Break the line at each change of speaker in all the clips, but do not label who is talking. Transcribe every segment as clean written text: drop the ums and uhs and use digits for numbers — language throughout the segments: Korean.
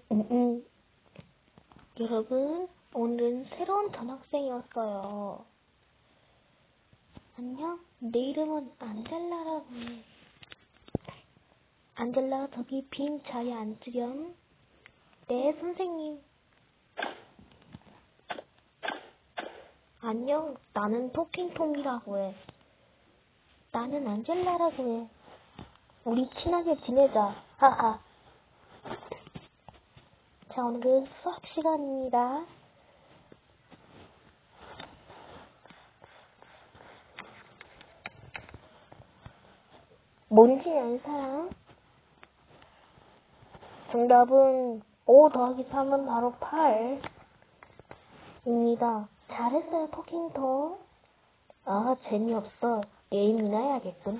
음. 여러분, 오늘은 새로운 전학생이었어요. 안녕, 내 이름은 안젤라라고 해. 안젤라, 저기 빈 자리에 앉으렴. 네, 선생님. 안녕, 나는 토킹톰이라고 해. 나는 안젤라라고 해. 우리 친하게 지내자. 하하. 자, 오늘은 수학 시간입니다. 뭔지 아는 사람? 정답은 5 더하기 3은 바로 8입니다. 잘했어요, 토킹톰. 아, 재미없어. 게임이나 해야겠군.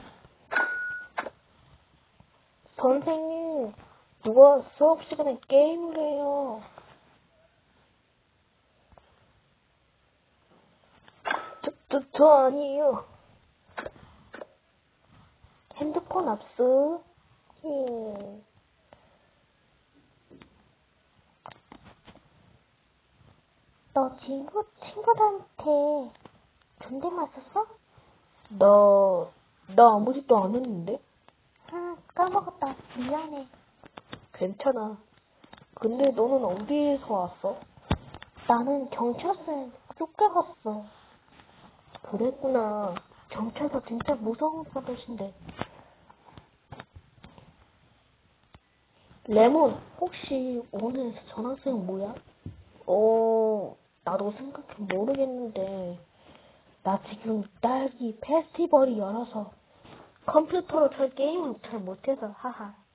선생님, 누가 수업 시간에 게임을 해요? 저 아니에요. 핸드폰 압수. 너 친구들한테 존댓말 썼어? 나 아무 짓도 안 했는데? 아, 까먹었다. 미안해. 괜찮아. 근데 너는 어디에서 왔어? 나는 경찰서에 쫓겨갔어. 그랬구나. 경찰서 진짜 무서운 버릇인데. 레몬, 혹시 오늘 전학생 뭐야? 나도 생각해 모르겠는데. 나 지금 딸기 페스티벌이 열어서 컴퓨터로 잘 게임을 잘 못해서 하하.